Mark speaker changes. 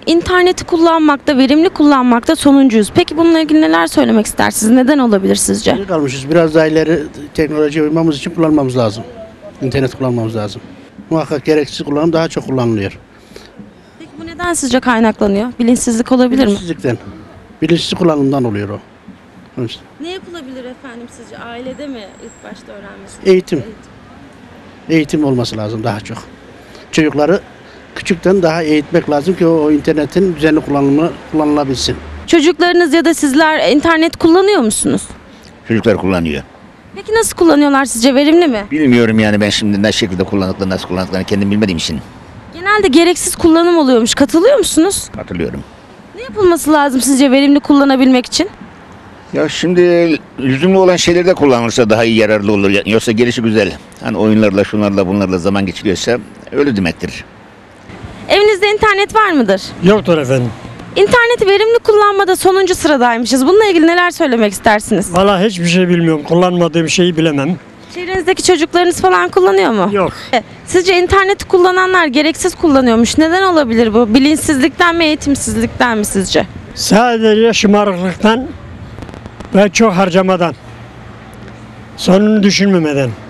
Speaker 1: interneti kullanmakta, verimli kullanmakta sonuncuyuz. Peki bununla ilgili neler söylemek istersiniz? Neden olabilir sizce?
Speaker 2: Geri kalmışız. Biraz daha ileri teknolojiye uymamız için kullanmamız lazım. İnternet kullanmamız lazım. Muhakkak gereksiz kullanım daha çok kullanılıyor.
Speaker 1: Peki bu neden sizce kaynaklanıyor? Bilinçsizlik olabilir mi?
Speaker 2: Bilinçsizlikten. Bilinçsiz kullanımdan oluyor o. Onun için.
Speaker 1: Ne yapılabilir efendim sizce? Ailede mi ilk başta öğrenmesi?
Speaker 2: Eğitim. Eğitim olması lazım daha çok. Çocukları küçükten daha eğitmek lazım ki o internetin düzenli kullanımı kullanılabilsin.
Speaker 1: Çocuklarınız ya da sizler internet kullanıyor musunuz?
Speaker 3: Çocuklar kullanıyor.
Speaker 1: Peki nasıl kullanıyorlar sizce? Verimli mi?
Speaker 3: Bilmiyorum yani ben şimdi ne şekilde kullandıklarını, nasıl kullandıklarını kendim bilmediğim için
Speaker 1: Genelde gereksiz kullanım oluyormuş. Katılıyor musunuz?
Speaker 3: hatırlıyorum.
Speaker 1: Ne yapılması lazım sizce verimli kullanabilmek için?
Speaker 3: Ya şimdi lüzumlu olan şeyleri de kullanılırsa daha iyi yararlı olur. Yoksa gelişi güzel. Hani oyunlarla, şunlarla, bunlarla zaman geçiriyorsa öyle demektir.
Speaker 1: Evinizde internet var mıdır?
Speaker 4: Yoktur efendim.
Speaker 1: İnterneti verimli kullanmada sonuncu sıradaymışız. Bununla ilgili neler söylemek istersiniz?
Speaker 4: Vallahi hiçbir şey bilmiyorum. Kullanmadığım şeyi bilemem.
Speaker 1: Çevrenizdeki çocuklarınız falan kullanıyor mu?
Speaker 4: Yok.
Speaker 1: Sizce interneti kullananlar gereksiz kullanıyormuş. Neden olabilir bu? Bilinçsizlikten mi, eğitimsizlikten mi sizce?
Speaker 4: Sadece şımarıklıktan ve çok harcamadan. Sonunu düşünmemeden.